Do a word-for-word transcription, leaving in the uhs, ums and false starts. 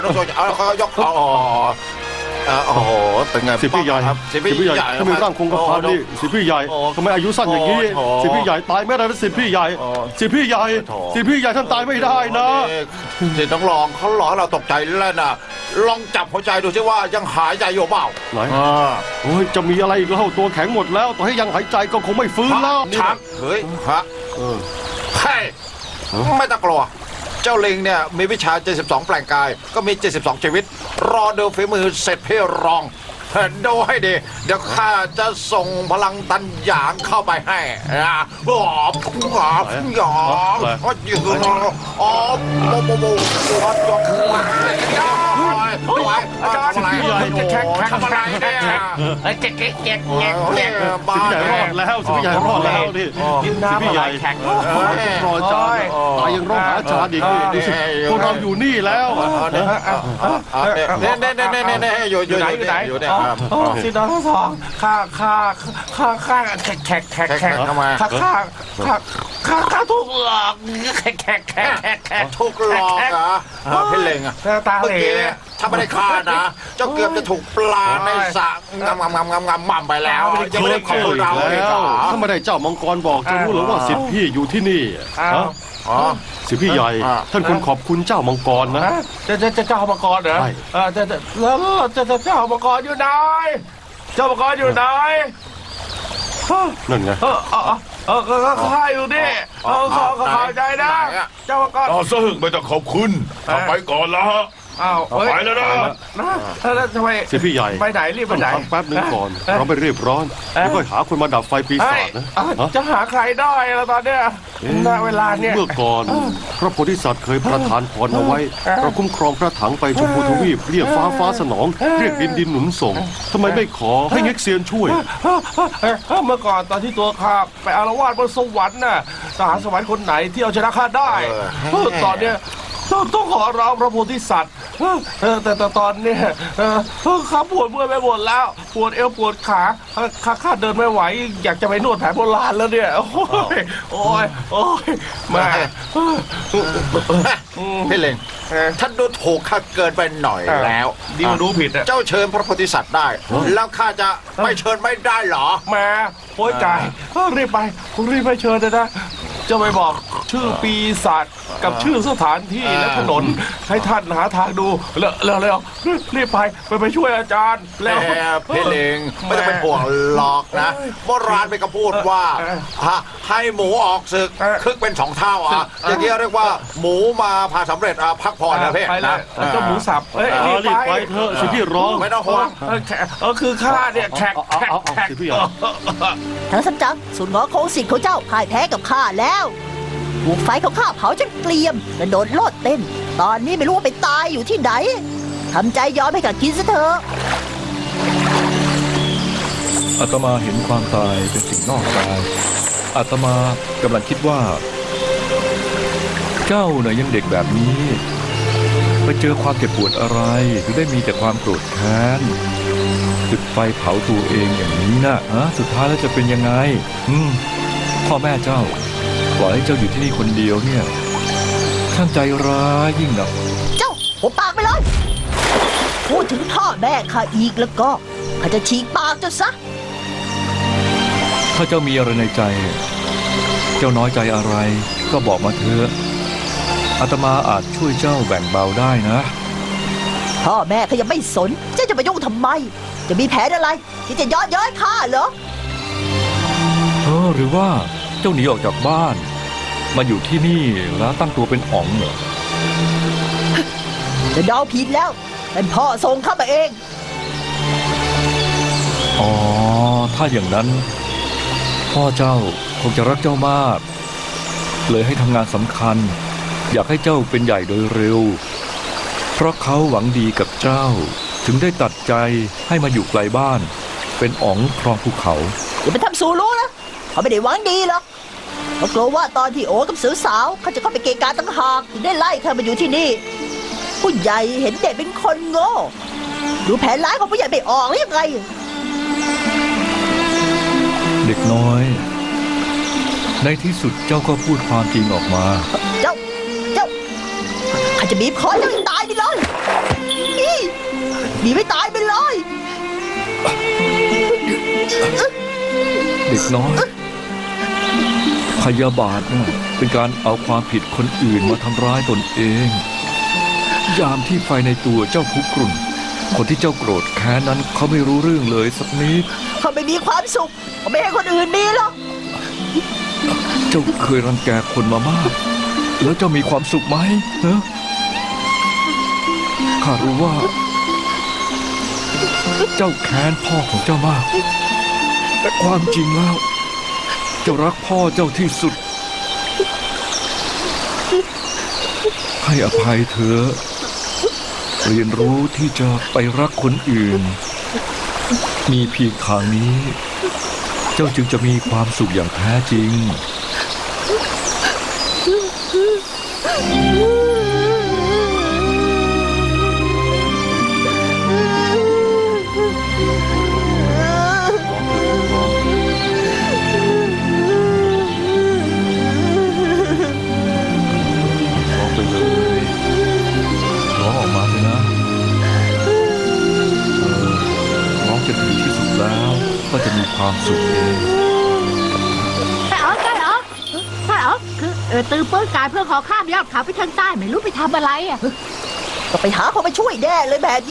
น้องโจเอาเขายกอ๋อโอ้โหเป็นไงสิพี่ใหญ่ครับสิพี่ใหญ่ทำไมร่างคงกระพันนี่สิพี่ใหญ่ทำไมอายุสั้นอย่างนี้สิพี่ใหญ่ตายไม่ได้นะสิพี่ใหญ่สิพี่ใหญ่สิพี่ใหญ่ท่านตายไม่ได้นะสิต้องลองเขาหลอกเราตกใจแล้วนะลองจับหัวใจดูสิว่ายังหายใจอยู่เปล่าไหนโอ้ยจะมีอะไรอีกแล้วตัวแข็งหมดแล้วต่อให้ยังหายใจก็คงไม่ฟื้นแล้วชักเฮ้ยฮะเฮ้ยไม่ต้องกลัวเจ้าลิงเนี่ยมีวิชาเจ็ดสิบสองแปลงกายก็มีเจ็ดสิบสองชีวิตรอดูฝีมือเสร็จเพื่อรองดูให้ดีเดี๋ยวข้าจะส่งพลังตันหยางเข้าไปให้นะบอบหอบหยอบก็ยืนอ๋อโมโมโมวัดยกขึ้นมาด้วยอาจารย์อะไรแข่งทำอะไรเนี่ยเก๊กเก๊กเก๊กเก๊กเก๊กสิพี่ใหญ่รอดแล้วสิพี่ใหญ่รอดแล้วนี่กินน้ำอะไรแข็งรออาจารย์ตายยังร้องหาอาจารย์อีกดูสิพวกเราอยู่นี่แล้วเนี่ยเนี่ยเนี่ยเนี่ยเนี่ยอยู่อยู่ไหนอยู่ไหนอยู่เนี่ยสิน้องทั้งสองข้าข้าข้าข้าแขกแขกแขกแขกทำไมข้าข้าข้าข้าข้าถูกหลอกแขกแขกแขกแขกถูกหลอกเหรอพี่เล็งอ่ะตาเหล่ถ้าไม่ได้ฆ่านะเจ้าเกือบจะถูกปลาในสระงำงำงำงำงำหม่ำไปแล้วยังไม่ได้ขอเราเลยถ้าไม่ได้เจ้ามังกรบอกจะรู้หรือว่าสิทธิพี่อยู่ที่นี่อ๋อสิพี่ใหญ่ท่านควรขอบคุณเจ้ามังกรนะจะจะจะเจ้ามังกรเหรอเออจะแล้วจะจะเจ้ามังกรอยู่ไหนเจ้ามังกรอยู่ไหนนั่นไงเออเออเออก็ข้าอยู่ดิเออขอขอใจนะเจ้ามังกรต่อซึ่งไม่ต้องขอบคุณไปก่อนละอ้าวไปแล้วนะแล้วทำไมสิพี่ใหญ่ไปไหนรีบไปไหนแป๊บนึงก่อนเราไม่รีบร้อนแล้วก็หาคนมาดับไฟปีศาจนะจะหาใครได้แล้วตอนเนี้ยณเวลาเนี้ยเมื่อก่อนพระโพธิสัตว์เคยประทานพรเอาไว้เราคุ้มครองพระถังไปชมพูทวีปเรียกฟ้าฟ้าสนองเรียกดินดินหนุนส่งทำไมไม่ขอให้เง็กเซียนช่วยเมื่อก่อนตอนที่ตัวข้าไปอารวาสบนสวรรค์น่ะทหารสวรรค์คนไหนที่เอาชนะข้าได้ตอนเนี้ยต้องขอร้องพระโพธิสัตว์แต่แต่ตอนนี้ข้าปวดเมื่อยไปหมดแล้วปวดเอวปวดขาข้าข้าเดินไม่ไหวอยากจะไปนวดแผนโบราณแล้วเนี่ยโอ้ยโอ้ยโอ้ยมาพี่เล็งท่านดูถูกข้าเกินไปหน่อยแล้วดีมารู้ผิดเจ้าเชิญพระโพธิสัตว์ได้แล้วข้าจะไม่เชิญไม่ได้หรอแม่โอ้ยกายรีบไปรีบไปเชิญเลยนะจะไปบอกชื่อปีศาจกับชื่อสถานที่และถนนให้ท่านหาทางดูเร็วเร็วเร็วรีบไปไปไปช่วยอาจารย์แล้วพี่เล็งไม่ต้องเป็นห่วงหรอกนะโบราณไปก็พูดว่าให้หมูออกศึกคึกเป็นสองเท่าอ่ะอย่างนี้เรียกว่าหมูมาพาสำเร็จพักผ่อนนะเพ่นะเจ้าหมูสับเอ้ยรีบไปเถอะสิพี่ร้องไม่ต้องห่วงเออคือข้าเนี่ยแขกแขกแขกทั้งสัจจ์สุนทรโคสิทธิ์ของเจ้าพ่ายแพ้กับข้าแล้วถูกไฟของข้าเผาจนเกลียมกระโดดโลดเต้นตอนนี้ไม่รู้ว่าไปตายอยู่ที่ไหนทำใจยอมให้กับกินซะเถอะอาตมาเห็นความตายเป็นสิ่งนอกกายอาตมากำลังคิดว่าเจ้าเนี่ยยังเด็กแบบนี้ไปเจอความเจ็บปวดอะไรถึงได้มีแต่ความโกรธแค้นจุดไฟเผาตัวเองอย่างนี้นะฮะสุดท้ายแล้วจะเป็นยังไงอืมพ่อแม่เจ้าปล่อยให้เจ้าอยู่ที่นี่คนเดียวเนี่ยช่างใจร้ายยิ่งนักเจ้าหัวปากไปเลยพูดถึงพ่อแม่ข้าอีกแล้วก็ข้าจะฉีกปากเจ้าซะถ้าเจ้ามีอะไรในใจเจ้าน้อยใจอะไรก็บอกมาเถอะอาตมาอาจช่วยเจ้าแบ่งเบาได้นะพ่อแม่ข้ายังไม่สนเจ้าจะมายุ่งทำไมจะมีแผนอะไรที่จะย้อนย้อยข้าเหรอเออหรือว่าเจ้าหนีออกจากบ้านมาอยู่ที่นี่แล้วตั้งตัวเป็นอ๋องเหรอจะเดาผิดแล้วเป็นพ่อส่งเข้ามาเองอ๋อถ้าอย่างนั้นพ่อเจ้าคงจะรักเจ้ามากเลยให้ทำงานสำคัญอยากให้เจ้าเป็นใหญ่โดยเร็วเพราะเขาหวังดีกับเจ้าถึงได้ตัดใจให้มาอยู่ไกลบ้านเป็นอ๋องครองภูเขาอย่าไปทำสูรู้นะเขาไม่ได้หวังดีหรอกเขากลัวว่าตอนที่โอกับสาวๆเขาจะเข้าไปเกะกะตั้งหากถึงได้ไล่เธอมาอยู่ที่นี่ผู้ใหญ่เห็นเด็กเป็นคนโง่ดูแผนร้ายของผู้ใหญ่ไม่ออกหรือยังไงเด็กน้อยในที่สุดเจ้าก็พูดความจริงออกมาเจ้าเจ้าข้าจะบีบคอเจ้าตายดิเลยหนีไม่ตายไปเลยเด็กน้อยพยาบาทน่ะเป็นการเอาความผิดคนอื่นมาทำร้ายตนเอง ยามที่ไฟในตัวเจ้าคุกรุ่น คนที่เจ้าโกรธแค้นนั้นเขาไม่รู้เรื่องเลยสักนิดเขาไม่มีความสุขเขาไม่ให้คนอื่นมีหรอกเจ้าเคยรังแกคนมามาก แล้วเจ้ามีความสุขไหมเนอะข้ารู้ว่า เจ้าแค้นพ่อของเจ้ามาก แต่ความจริงแล้ว เจ้ารักพ่อเจ้าที่สุด ให้อภัยเถอะเรียนรู้ที่จะไปรักคนอื่น มีเพียงทางนี้ เจ้าจึงจะมีความสุขอย่างแท้จริง ร้องไปเลยร้องออกมาเลยนะเออร้องจนถึงที่สุดแล้วก็จะมีความสุขเองใช่เหรอใช่เหรอใช่เหรอคือเออตือเปิ้ลกายเพื่อขอข้ามยอดเขาไปทางใต้ไม่รู้ไปทำอะไรอ่ะก็ไปหาเขามาช่วยแน่เลยแบบ